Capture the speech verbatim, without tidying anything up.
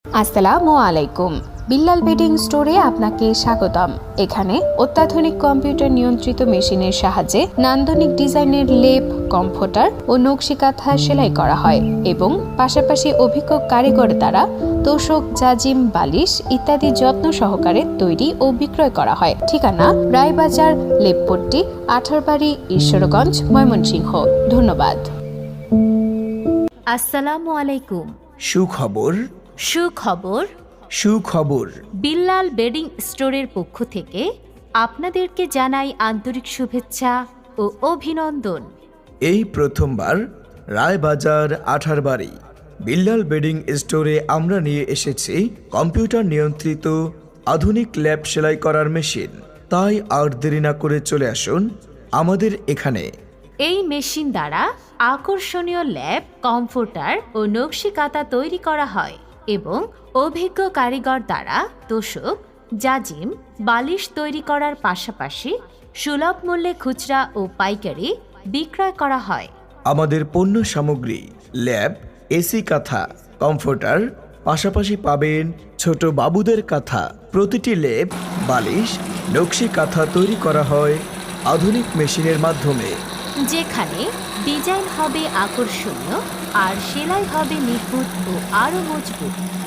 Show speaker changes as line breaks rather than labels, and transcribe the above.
আসসালামু আলাইকুম। বিল্লাল বেডিং স্টোরে আপনাকে স্বাগতম। এখানে অত্যাধুনিক কম্পিউটার নিয়ন্ত্রিত মেশিনের সাহায্যে নান্দনিক ডিজাইনের লেপ, কমফোর্টার ও নকশি কাঁথা সেলাই করা হয় এবং পাশাপাশি অভিজ্ঞ কারিগর দ্বারা তোশক, জাজিম, বালিশ ইত্যাদি যত্ন সহকারে তৈরি ও বিক্রয় করা হয়। ঠিকানা রায়বাজার, লেপপট্টি, আঠারবাড়ি, ঈশ্বরগঞ্জ, ময়মনসিংহ। ধন্যবাদ।
আসসালামু আলাইকুম।
সুখবর
সুখবর
সুখবর
বিল্লাল বেডিং স্টোরের পক্ষ থেকে আপনাদেরকে জানাই আন্তরিক শুভেচ্ছা ও অভিনন্দন।
এই প্রথমবার রায়বাজার আঠারবাড়ি বিল্লাল বেডিং স্টোরে আমরা নিয়ে এসেছি কম্পিউটার নিয়ন্ত্রিত আধুনিক ল্যাপ সেলাই করার মেশিন। তাই আর দেরি না করে চলে আসুন আমাদের এখানে।
এই মেশিন দ্বারা আকর্ষণীয় ল্যাপ, কমফোর্টার ও নকশি কাঁথা তৈরি করা হয় এবং অভিজ্ঞ কারিগর দ্বারা তোশক, জাজিম, বালিশ তৈরি করার পাশাপাশি সুলভ মূল্যে খুচরা ও পাইকারি বিক্রয় করা হয়।
আমাদের পণ্য সামগ্রী ল্যাপ, এসি কাঁথা, কমফোর্টার, পাশাপাশি পাবেন ছোট বাবুদের কাঁথা। প্রতিটি লেপ, বালিশ, নকশি কাঁথা তৈরি করা হয় আধুনিক মেশিনের মাধ্যমে,
যেখানে ডিজাইন হবে আকর্ষণীয় আর সেলাই হবে নিখুঁত ও আরও মজবুত।